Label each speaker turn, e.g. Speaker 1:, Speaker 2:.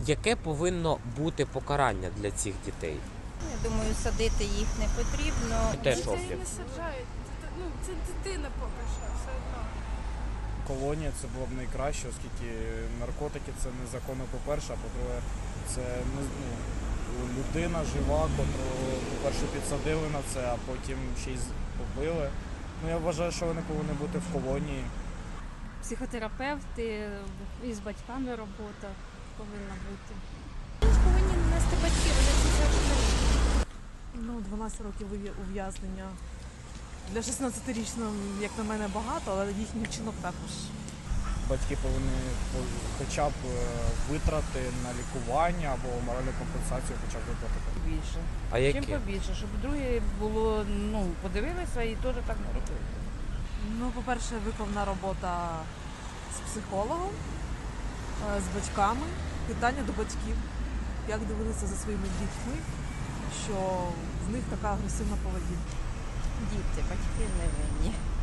Speaker 1: Яке повинно бути покарання для цих дітей?
Speaker 2: Я думаю, садити їх не потрібно.
Speaker 1: Теж
Speaker 3: Дітей
Speaker 1: роблять.
Speaker 3: не саджають. Це дитина поки що все одно.
Speaker 4: Колонія це було б найкраще, оскільки наркотики це незаконно, по-перше, а по-друге, це людина жива, котру, по-перше, підсадили на це, а потім ще й побили. Я вважаю, що вони повинні бути в колонії.
Speaker 5: Психотерапевти, і з батьками робота повинна бути.
Speaker 2: Повинні нанести батьки, вони це завжди.
Speaker 6: 12 років ув'язнення. Для 16-річного, як на мене, багато, але їхній вчинок також.
Speaker 4: Батьки повинні хоча б витрати на лікування або моральну компенсацію хоча б виплатити.
Speaker 7: Більше.
Speaker 1: А
Speaker 7: Чим
Speaker 1: які?
Speaker 7: побільше, щоб друге було, подивилися і теж так не робили.
Speaker 6: По-перше, виповна робота з психологом, з батьками, питання до батьків, як дивилися за своїми дітьми, що в них така агресивна поведінка.
Speaker 2: Діти, батьки не винні.